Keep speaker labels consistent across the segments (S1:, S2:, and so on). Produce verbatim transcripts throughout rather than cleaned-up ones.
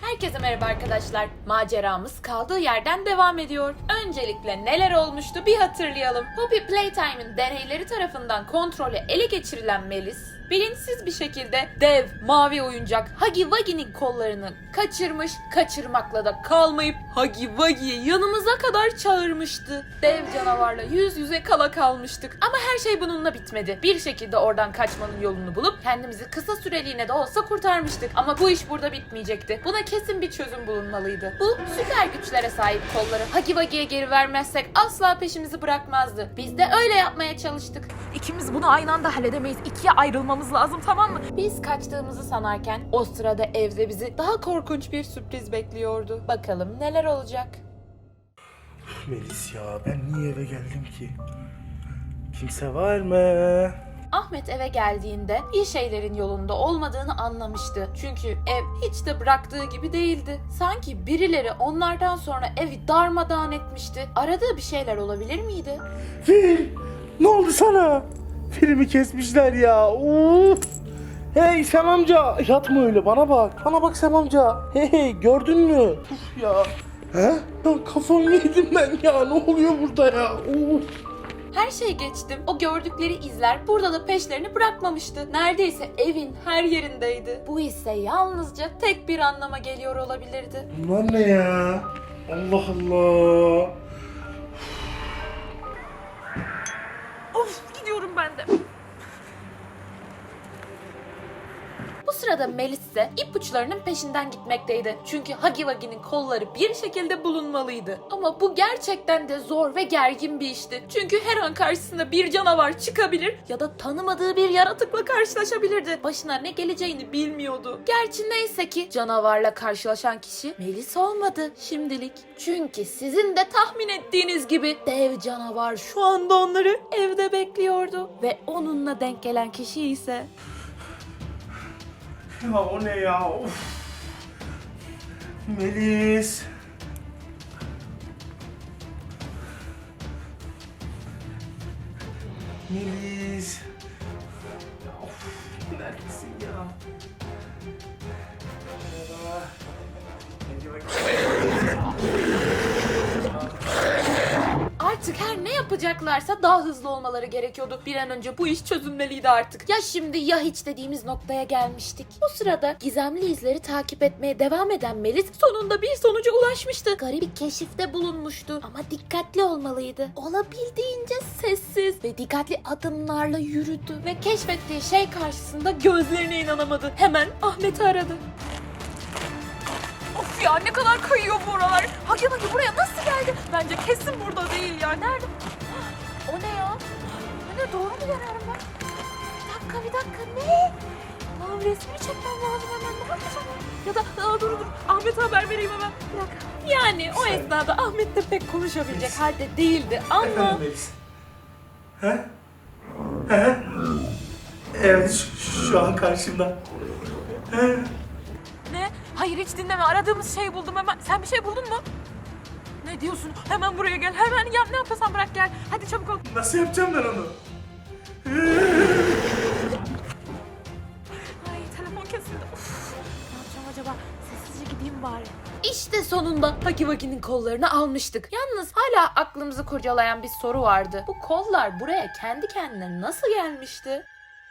S1: Herkese merhaba arkadaşlar. Maceramız kaldığı yerden devam ediyor. Öncelikle neler olmuştu bir hatırlayalım. Poppy Playtime'ın deneyleri tarafından kontrolü ele geçirilen Melis, bilinçsiz bir şekilde dev mavi oyuncak Huggy Wuggy'nin kollarını kaçırmış, kaçırmakla da kalmayıp Huggy Wuggy'yi yanımıza kadar çağırmıştı. Dev canavarla yüz yüze kala kalmıştık. Ama her şey bununla bitmedi. Bir şekilde oradan kaçmanın yolunu bulup kendimizi kısa süreliğine de olsa kurtarmıştık. Ama bu iş burada bitmeyecekti. Buna kesin bir çözüm bulunmalıydı. Bu süper güçlere sahip kolları Huggy Wuggy'ye geri vermezsek asla peşimizi bırakmazdı. Biz de öyle yapmaya çalıştık.
S2: İkimiz bunu aynı anda halledemeyiz. İkiye ayrılmamız lazım, tamam mı?
S1: Biz kaçtığımızı sanarken o sırada evde bizi daha korkunç bir sürpriz bekliyordu. Bakalım neler olacak?
S3: Melis ya, ben niye eve geldim ki? Kimse var mı?
S1: Ahmet eve geldiğinde iyi şeylerin yolunda olmadığını anlamıştı. Çünkü ev hiç de bıraktığı gibi değildi. Sanki birileri onlardan sonra evi darmadağın etmişti. Aradığı bir şeyler olabilir miydi?
S3: Fil! Ne oldu sana? Filmi kesmişler ya. Uf! Hey Sem amca, yatma öyle, bana bak. Bana bak Sem amca. Hey hey, gördün mü? Uf ya. He? Ya kafamı yedim ben ya. Ne oluyor burada ya? Uf.
S1: Her şey geçtim. O gördükleri izler burada da peşlerini bırakmamıştı. Neredeyse evin her yerindeydi. Bu ise yalnızca tek bir anlama geliyor olabilirdi.
S3: Bunlar ne ya? Allah Allah.
S2: Of, gidiyorum ben de.
S1: Bu sırada Melis ise ipuçlarının peşinden gitmekteydi. Çünkü Huggy Wuggy'nin kolları bir şekilde bulunmalıydı. Ama bu gerçekten de zor ve gergin bir işti. Çünkü her an karşısında bir canavar çıkabilir ya da tanımadığı bir yaratıkla karşılaşabilirdi. Başına ne geleceğini bilmiyordu. Gerçi neyse ki canavarla karşılaşan kişi Melis olmadı şimdilik. Çünkü sizin de tahmin ettiğiniz gibi dev canavar şu anda onları evde bekliyordu. Ve onunla denk gelen kişi ise...
S3: Ya o ne ya? Of. Melis. Melis. Of, neredesin ya? Merhaba. Hadi bakayım.
S1: Artık her ne yapacaklarsa daha hızlı olmaları gerekiyordu. Bir an önce bu iş çözülmeliydi artık. Ya şimdi ya hiç dediğimiz noktaya gelmiştik. O sırada gizemli izleri takip etmeye devam eden Melis sonunda bir sonuca ulaşmıştı. Garip bir keşifte bulunmuştu. Ama dikkatli olmalıydı. Olabildiğince sessiz ve dikkatli adımlarla yürüdü. Ve keşfettiği şey karşısında gözlerine inanamadı. Hemen Ahmet'i aradı.
S2: Of ya, ne kadar kayıyor bu oralar. Huggy Wuggy buraya nasıl geldi? Bence kesin burada değil ya. Nerede? O ne ya? O ne, doğru mu görüyorum ben? Bir dakika bir dakika, ne? Lan resmini çekmem lazım hemen. Ne yapacağım? Ya da aa, dur dur, Ahmet'e haber vereyim hemen. Bir dakika.
S1: Yani o esnada Ahmet de pek konuşabilecek halde değildi ama...
S3: Efendim Melis. He? He? Evet, şu, şu an karşımda. He?
S2: Ne? Hayır, hiç dinleme. Aradığımız şeyi buldum hemen. Sen bir şey buldun mu? Ne diyorsun? Hemen buraya gel. Hemen yap, ne yapıyorsan bırak gel. Hadi çabuk ol.
S3: Nasıl yapacağım ben onu?
S2: Ay, telefon kesildi. Uf. Ne yapacağım acaba? Sessizce gideyim bari.
S1: İşte sonunda Huggy Wuggy'nin kollarını almıştık. Yalnız hala aklımızı kurcalayan bir soru vardı. Bu kollar buraya kendi kendine nasıl gelmişti?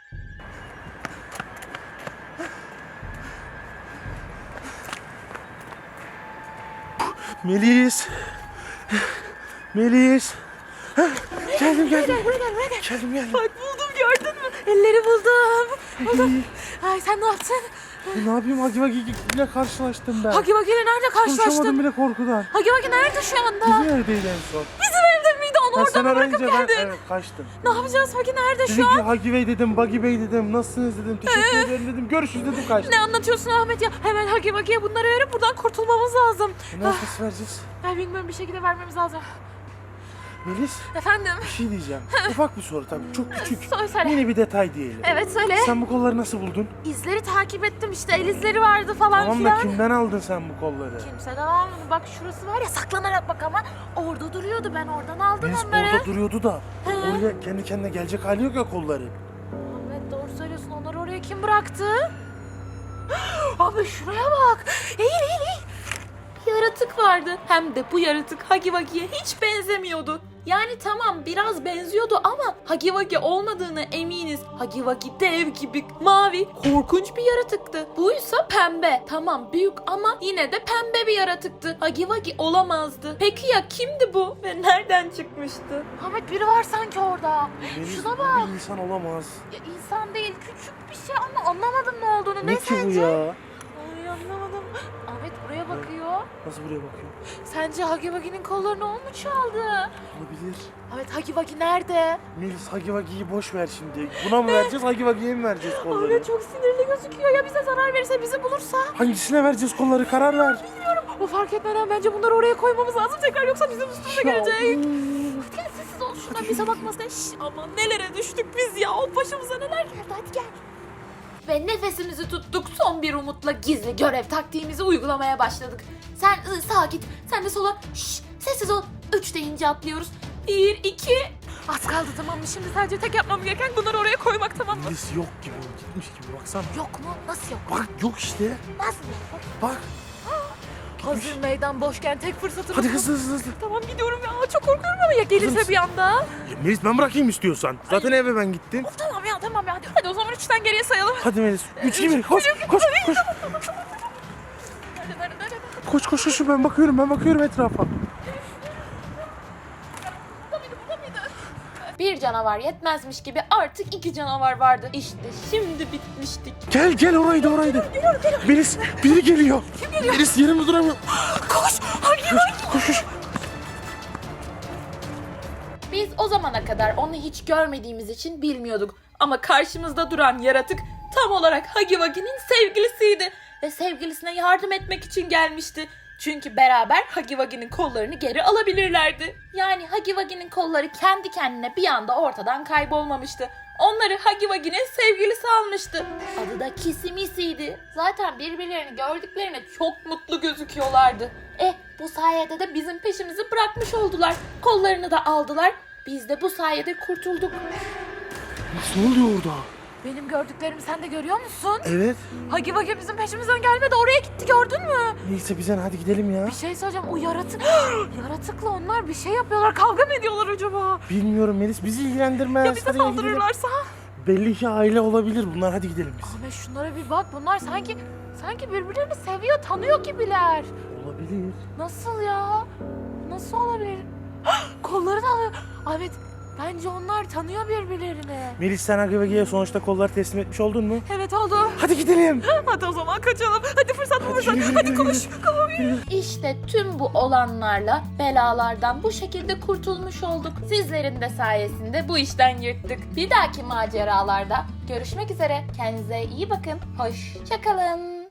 S3: Melis. Melis. Geldim geldim.
S2: Buraya gel, buraya gel.
S3: Geldim geldim.
S2: Bak, buldum, gördün mü? Elleri buldum. Buldum. Ay, sen ne yaptın?
S3: Ne yapayım, Huggy Wuggy ile karşılaştım ben.
S2: Huggy Wuggy ile nerede
S3: Konuşamadım
S2: karşılaştın?
S3: bile korkudan.
S2: Huggy Wuggy nerede şu anda?
S3: Bizim evdeydi en son.
S2: Bizim evde miydi? Onu
S3: Ben
S2: oradan
S3: sen
S2: mı bırakıp
S3: arayınca ben
S2: geldin?
S3: evet, kaçtım.
S2: Ne yapacağız? Huggy nerede
S3: Dedim
S2: şu
S3: ki
S2: an?
S3: Huggy Bey dedim, Buggy Bey dedim, nasılsınız dedim, teşekkür ederim dedim, görüşürüz dedim, kaçtım.
S2: Ne anlatıyorsun Ahmet ya? Hemen Huggy Wuggy'ye bunları verip buradan kurtulmamız lazım.
S3: E, nasıl vereceğiz?
S2: Ben bilmiyorum, bir şekilde vermemiz lazım.
S3: Melis,
S2: Efendim?
S3: bir şey diyeceğim. Ufak bir soru tabii, çok küçük.
S2: Söyle, söyle.
S3: Yine bir detay diyelim.
S2: Evet, söyle.
S3: Sen bu kolları nasıl buldun?
S2: İzleri takip ettim işte, el izleri vardı falan
S3: Tamam da
S2: filan.
S3: kimden aldın sen bu kolları?
S2: Kimseden almadım. Bak şurası var ya, saklanarak bak ama orada duruyordu, ben oradan aldım
S3: Melis
S2: onları.
S3: orada duruyordu da.
S2: He.
S3: Oraya kendi kendine gelecek hali yok ya kolları.
S2: Ahmet, doğru söylüyorsun, onları oraya kim bıraktı? Abi şuraya bak. Eğil eğil eğil.
S1: yaratık vardı. Hem de bu yaratık Huggy Wuggy'ye hiç benzemiyordu. Yani tamam biraz benziyordu ama Huggy Wuggy olmadığını eminiz. Huggy Wuggy dev gibi, mavi, korkunç bir yaratıktı. Buysa pembe. Tamam büyük ama yine de pembe bir yaratıktı. Huggy Wuggy olamazdı. Peki ya kimdi bu ve nereden çıkmıştı?
S2: Ahmet biri var sanki orada.
S3: Melis,
S2: Şuna
S3: bu
S2: bak.
S3: bir insan olamaz.
S2: Ya insan değil, küçük bir şey ama anlamadım ne olduğunu. Ne,
S3: Ne ki bu
S2: sence?
S3: ya?
S2: Ay anlamadım. Ahmet buraya bakıyor.
S3: Nasıl buraya bakıyor?
S2: Sence Huggy Wuggy'nin kollarını o mu çaldı?
S3: Olabilir.
S2: Ahmet Huggy Wuggy nerede?
S3: Melis Huggy Wuggy'yi boş ver şimdi. Buna mı vereceğiz, Huggy Wuggy'ye mi vereceğiz kolları?
S2: Ahmet çok sinirli gözüküyor ya bize zarar verirse bizi bulursa.
S3: Hangisine vereceğiz kolları, karar ver.
S2: O fark etmeden bence bunları oraya koymamız lazım tekrar yoksa bizim üstümüze
S3: Ya,
S2: gelecek.
S3: uf.
S2: Gel sessiz ol şundan bize bakmasın. Şşş aman nelere düştük biz ya o başımıza neler geldi hadi gel.
S1: Ve nefesimizi tuttuk, son bir umutla gizli görev taktiğimizi uygulamaya başladık. Sen ı, sağa git, sen de sola. Şşş, sessiz ol. Üç deyince atlıyoruz. Bir, iki.
S2: Az kaldı tamam mı şimdi sadece tek yapmam gereken bunları oraya koymak tamam mı?
S3: Melis yok gibi, gitmiş gibi baksana.
S2: Yok mu? Nasıl yok?
S3: Bak yok işte.
S2: Nasıl yok?
S3: Bak.
S2: Hazır meydan boşken tek fırsatımız
S3: Hadi
S2: bu.
S3: hızlı hızlı hızlı.
S2: Tamam gidiyorum ya çok korkuyorum ama ya gelirse
S3: mısın?
S2: bir anda.
S3: Ya Melis ben bırakayım istiyorsan. Zaten eve ben gittim.
S2: Of tamam ya tamam ya hadi, hadi o zaman üçten geriye sayalım.
S3: Hadi Melis. Üç gibi. Koş koş koş.
S2: Nerede nerede nerede?
S3: Koş koş koş. Ben bakıyorum ben bakıyorum etrafa.
S1: Bir canavar yetmezmiş gibi artık iki canavar vardı. İşte şimdi bitmiştik.
S3: Gel gel oraydı oraydı. Melis biri geliyor. Kim geliyor? Melis yerimde duramıyor.
S2: Koş! Hangi hangi?
S3: Koş koş.
S1: Biz o zamana kadar onu hiç görmediğimiz için bilmiyorduk. Ama karşımızda duran yaratık tam olarak Huggy Wuggy'nin sevgilisiydi. Ve sevgilisine yardım etmek için gelmişti. Çünkü beraber Huggy Wuggy'nin kollarını geri alabilirlerdi. Yani Huggy Wuggy'nin kolları kendi kendine bir anda ortadan kaybolmamıştı. Onları Huggy Wuggy'nin sevgilisi almıştı. Adı da Kisimisi'ydi. Zaten birbirlerini gördüklerine çok mutlu gözüküyorlardı. Eh bu sayede de bizim peşimizi bırakmış oldular. Kollarını da aldılar. Biz de bu sayede kurtulduk.
S3: Melis ne oluyor orada?
S2: Benim gördüklerimi sen de görüyor musun?
S3: Evet.
S2: Huggy Wuggy bizim peşimizden gelmedi oraya gitti gördün mü?
S3: Neyse biz hadi gidelim ya.
S2: Bir şey söyleyeceğim o yaratık yaratıkla onlar bir şey yapıyorlar kavga mı ediyorlar acaba?
S3: Bilmiyorum Melis bizi ilgilendirmez.
S2: Ya bize
S3: Hadi gidelim.
S2: saldırırlarsa?
S3: Belli ki aile olabilir bunlar. Hadi gidelim biz.
S2: Ahmet şunlara bir bak bunlar sanki sanki birbirlerini seviyor tanıyor gibiler.
S3: Olabilir.
S2: Nasıl ya? Nasıl olabilir? Kolları da alıyor. Ahmet bence onlar tanıyor birbirlerini.
S3: Melis sen Huggy Wuggy'ye sonuçta kolları teslim etmiş oldun mu?
S2: Evet oldu.
S3: Hadi gidelim.
S2: Hadi o zaman kaçalım. Hadi fırsat bu
S3: Hadi
S2: fırsat.
S3: yürü, yürü,
S2: Hadi
S3: yürü,
S2: koş.
S3: yürü.
S1: İşte tüm bu olanlarla belalardan bu şekilde kurtulmuş olduk. Sizlerin de sayesinde bu işten yırttık. Bir dahaki maceralarda görüşmek üzere. Kendinize iyi bakın. Hoşça kalın.